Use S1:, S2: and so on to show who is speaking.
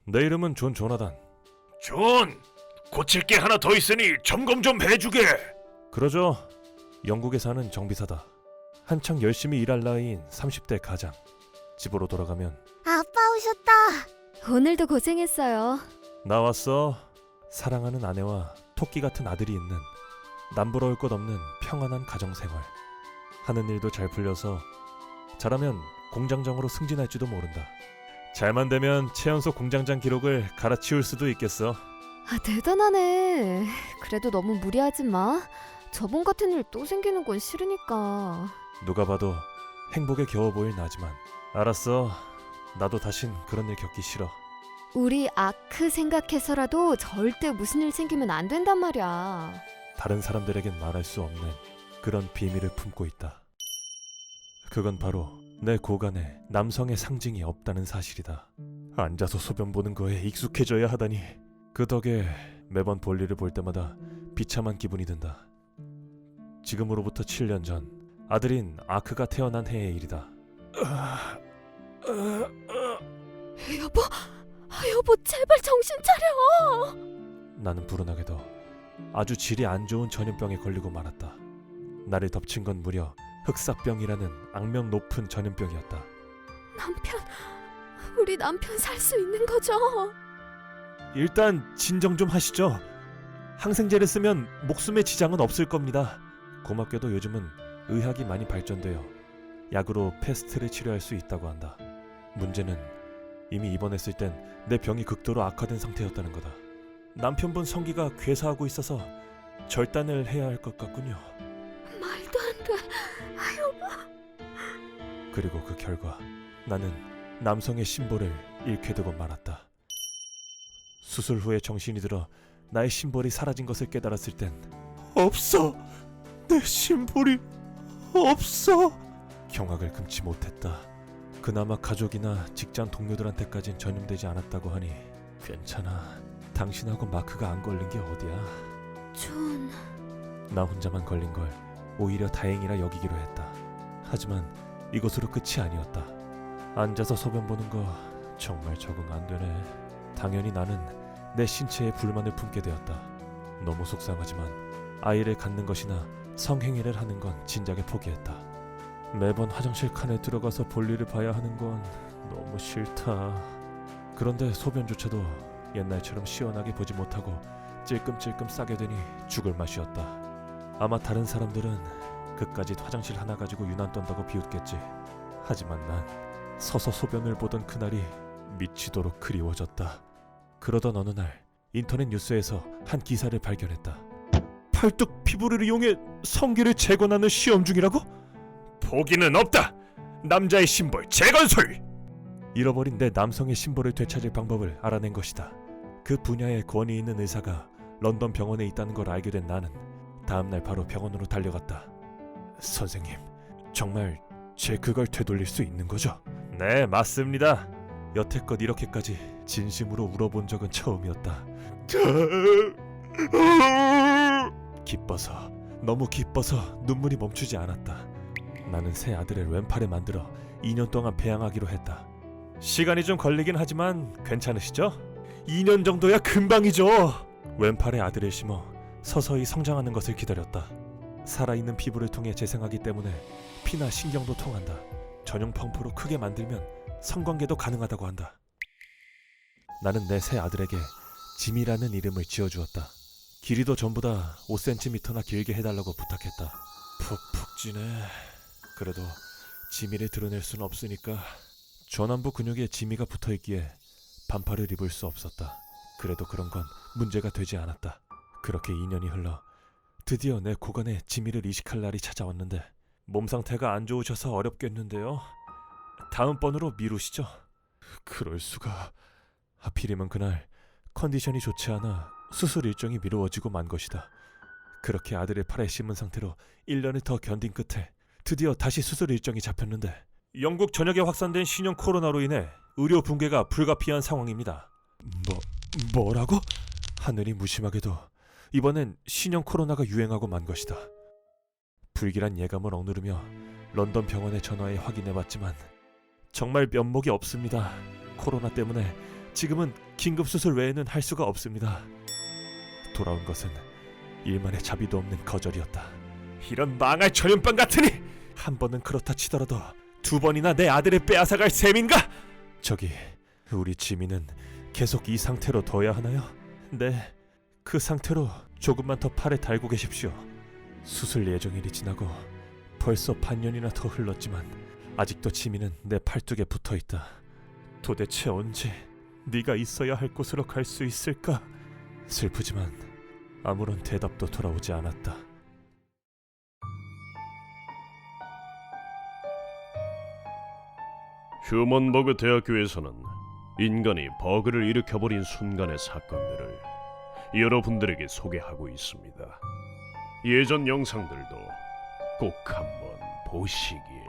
S1: 내 이름은 존 조나단.
S2: 존, 고칠 게 하나 더 있으니 점검 좀 해주게.
S1: 그러죠. 영국에 사는 정비사다. 한창 열심히 일할 나이인 30대 가장. 집으로 돌아가면
S3: 아빠 오셨다.
S4: 오늘도 고생했어요.
S1: 나 왔어. 사랑하는 아내와 토끼 같은 아들이 있는 남부러울 것 없는 평안한 가정생활. 하는 일도 잘 풀려서 잘하면 공장장으로 승진할지도 모른다. 잘만 되면 최연소 공장장 기록을 갈아치울 수도 있겠어.
S4: 아, 대단하네. 그래도 너무 무리하지 마. 저번 같은 일 또 생기는 건 싫으니까.
S1: 누가 봐도 행복에 겨워 보일 나지만. 알았어. 나도 다신 그런 일 겪기 싫어.
S4: 우리 아크 생각해서라도 절대 무슨 일 생기면 안 된단 말이야.
S1: 다른 사람들에겐 말할 수 없는 그런 비밀을 품고 있다. 그건 바로 내 고간에 남성의 상징이 없다는 사실이다. 앉아서 소변 보는 거에 익숙해져야 하다니. 그 덕에 매번 볼일을 볼 때마다 비참한 기분이 든다. 지금으로부터 7년 전 아들인 아크가 태어난 해의 일이다.
S4: 여보, 여보 제발 정신 차려.
S1: 나는 불운하게도 아주 질이 안 좋은 전염병에 걸리고 말았다. 나를 덮친 건 무려 흑사병이라는 악명 높은 전염병이었다.
S4: 우리 남편 살 수 있는 거죠?
S1: 일단 진정 좀 하시죠. 항생제를 쓰면 목숨에 지장은 없을 겁니다. 고맙게도 요즘은 의학이 많이 발전되어 약으로 패스트를 치료할 수 있다고 한다. 문제는 이미 입원했을 땐 내 병이 극도로 악화된 상태였다는 거다. 남편분 성기가 괴사하고 있어서 절단을 해야 할 것 같군요.
S4: 말도 안 돼. 여보.
S1: 그리고 그 결과 나는 남성의 심볼을 잃게 되고 말았다. 수술 후에 정신이 들어 나의 심볼이 사라진 것을 깨달았을 땐 없어! 내 심볼이 없어! 경악을 금치 못했다. 그나마 가족이나 직장 동료들한테까진 전염되지 않았다고 하니 괜찮아. 당신하고 마크가 안 걸린 게 어디야.
S4: 존.
S1: 나 혼자만 걸린 걸 오히려 다행이라 여기기로 했다. 하지만 이것으로 끝이 아니었다. 앉아서 소변 보는 거 정말 적응 안 되네. 당연히 나는 내 신체에 불만을 품게 되었다. 너무 속상하지만 아이를 갖는 것이나 성행위를 하는 건 진작에 포기했다. 매번 화장실 칸에 들어가서 볼일을 봐야 하는 건 너무 싫다. 그런데 소변조차도 옛날처럼 시원하게 보지 못하고 찔끔찔끔 싸게 되니 죽을 맛이었다. 아마 다른 사람들은 그까짓 화장실 하나 가지고 유난 떤다고 비웃겠지. 하지만 난 서서 소변을 보던 그날이 미치도록 그리워졌다. 그러던 어느 날 인터넷 뉴스에서 한 기사를 발견했다. 팔뚝 피부를 이용해 성기를 재건하는 시험 중이라고?
S2: 포기는 없다. 남자의 심볼 재건술.
S1: 잃어버린 내 남성의 심볼을 되찾을 방법을 알아낸 것이다. 그 분야에 권위 있는 의사가 런던 병원에 있다는 걸 알게 된 나는 다음날 바로 병원으로 달려갔다. 선생님, 정말 제 그걸 되돌릴 수 있는 거죠? 네, 맞습니다. 여태껏 이렇게까지 진심으로 울어본 적은 처음이었다. 기뻐서, 너무 기뻐서 눈물이 멈추지 않았다. 나는 새 아들을 왼팔에 만들어 2년 동안 배양하기로 했다. 시간이 좀 걸리긴 하지만 괜찮으시죠? 2년 정도야 금방이죠. 왼팔에 아들을 심어 서서히 성장하는 것을 기다렸다. 살아있는 피부를 통해 재생하기 때문에 피나 신경도 통한다. 전용 펌프로 크게 만들면 성관계도 가능하다고 한다. 나는 내 새 아들에게 짐이라는 이름을 지어주었다. 길이도 전부 다 5cm나 길게 해달라고 부탁했다. 푹푹 찌네. 그래도 지미를 드러낼 순 없으니까. 전완부 근육에 지미가 붙어있기에 반팔을 입을 수 없었다. 그래도 그런 건 문제가 되지 않았다. 그렇게 2년이 흘러 드디어 내 고관에 지미를 이식할 날이 찾아왔는데 몸 상태가 안 좋으셔서 어렵겠는데요. 다음번으로 미루시죠. 그럴 수가. 하필이면 그날 컨디션이 좋지 않아 수술 일정이 미루어지고 만 것이다. 그렇게 아들을 팔에 심은 상태로 1년을 더 견딘 끝에 드디어 다시 수술 일정이 잡혔는데 영국 전역에 확산된 신형 코로나로 인해 의료 붕괴가 불가피한 상황입니다. 뭐라고? 하늘이 무심하게도 이번엔 신형 코로나가 유행하고 만 것이다. 불길한 예감을 억누르며 런던 병원에 전화해 확인해봤지만 정말 면목이 없습니다. 코로나 때문에 지금은 긴급 수술 외에는 할 수가 없습니다. 돌아온 것은 일만의 자비도 없는 거절이었다. 이런 망할 전염병 같으니! 한 번은 그렇다 치더라도 두 번이나 내 아들을 빼앗아갈 셈인가? 저기, 우리 지민은 계속 이 상태로 둬야 하나요? 네, 그 상태로 조금만 더 팔에 달고 계십시오. 수술 예정일이 지나고 벌써 반년이나 더 흘렀지만 아직도 지민은 내 팔뚝에 붙어있다. 도대체 언제 네가 있어야 할 곳으로 갈 수 있을까? 슬프지만 아무런 대답도 돌아오지 않았다.
S5: 휴먼버그 대학교에서는 인간이 버그를 일으켜버린 순간의 사건들을 여러분들에게 소개하고 있습니다. 예전 영상들도 꼭 한번 보시길.